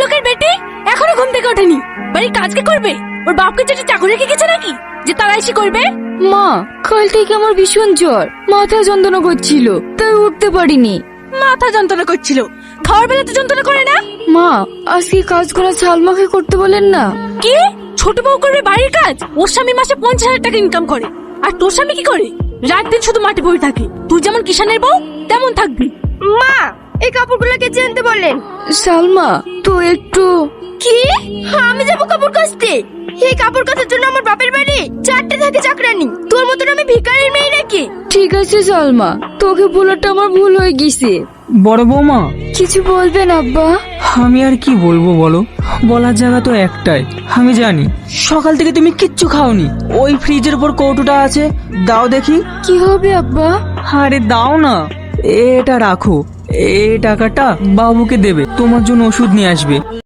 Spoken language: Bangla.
লোকের বেটি এখনো ঘুম থেকে ওঠেনি, বাড়ির কাজ কে করবে? ওর বাপকে যেটা চাকরি রেখে গেছে নাকি যে তারা এসে করবে? মা, কাল থেকে আমার ভীষণ জ্বর, মাথা যন্ত্রণা করছিল, তাই উঠতে পারিনি। মাথা যন্ত্রণা করছিল, খাওয়ার বেলা তো যন্ত্রণা করে না? মা, আজকে কাজ করা সালমাকে করতে বলেন না। কি ছোট বউ করবে বাড়ির কাজ? ওর স্বামী মাসে 50,000 টাকা ইনকাম করে, আর তোর স্বামী কি করে? রাত দিন শুধু মাঠে বসে থাকে। তুই যেমন কিষানের বউ তেমন থাকবি। মা, এই কাপড়গুলো কে আনতে বললেন? সালমা, তো একটু। কি? আমি যাবো কাপড় কাচতে? এই কাপড় কাচার জন্য আমার বাপের বাড়ি 4টে থাকে চাকরানি। তোর মতন আমি ভিখারির মেয়ে নাকি? ঠিক আছে সালমা, তোকে বলাটা আমার ভুল হয়ে গেছে। বড় বৌমা, কিছু বলবেন আব্বা? আমি আর কি বলবো বলো, বলার জায়গা তো একটাই। আমি জানি সকাল থেকে তুমি কিচ্ছু খাওনি। ওই ফ্রিজের উপর কৌটোটা আছে, দাও দেখি। কি হবে আব্বা? আরে দাও না, এটা রাখো। এই টাকাটা বাবুকে দেবে, তোমার জন্য ওষুধ নিয়ে আসবে।